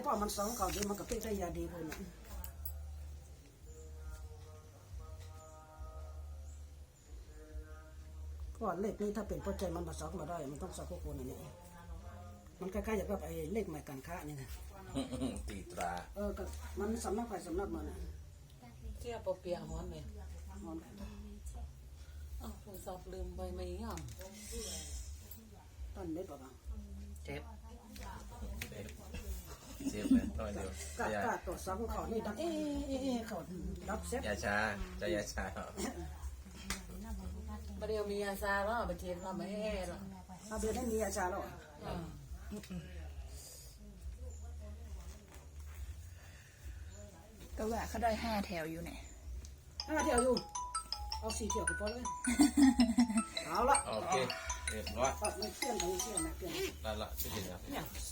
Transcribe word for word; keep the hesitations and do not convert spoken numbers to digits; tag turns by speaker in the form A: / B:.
A: พ่อมันสองเขาดีมันก็เป็นได้ยาดีเลยนะก็เลขนี้ถ้าเป็นปัจจัยมันมาสองมาได้มันต้องสองคนอันนี้มันคล้ายๆอย่างแบบไอ้เลขใหม่การค้านี่นะ
B: ตีตรา
A: เออก็มันสำนักไปสำนักมันนะ
C: เจี๊ยบเปียหอนไหม
A: มัน
C: อ้าวผมสอบลืมไปไหมอ่ะ
A: ต้นเล็ดป่ะ
C: เจ็บ
B: เซฟเซฟเลยน้อยเดียว
A: กะ
B: อย่าก
A: ะตัวสองเขานี่ดังเอ๊ะเอ๊ะเอ๊ะเขารับเซ็ต
B: อย่าช้าจะอย่าช้า
C: ประเดี๋ยวมีอาซาแล้วไปเทียนเราไม่แห่หรอก
A: เอาเดือนได้มีอาจารย์แล้ว
D: ก็ว่าเขาได้ห้าแถวอยู่เนี่ย
A: ห้าเที่ยวอยู่เอาสี่เที่ยวก็พอเลยเอาละ
B: โอเคเรียบร้อย
A: เอาไม่เที่ยงไม่เที่ยงนะเที่ยง
B: ได้ละที่เห็นแล้ว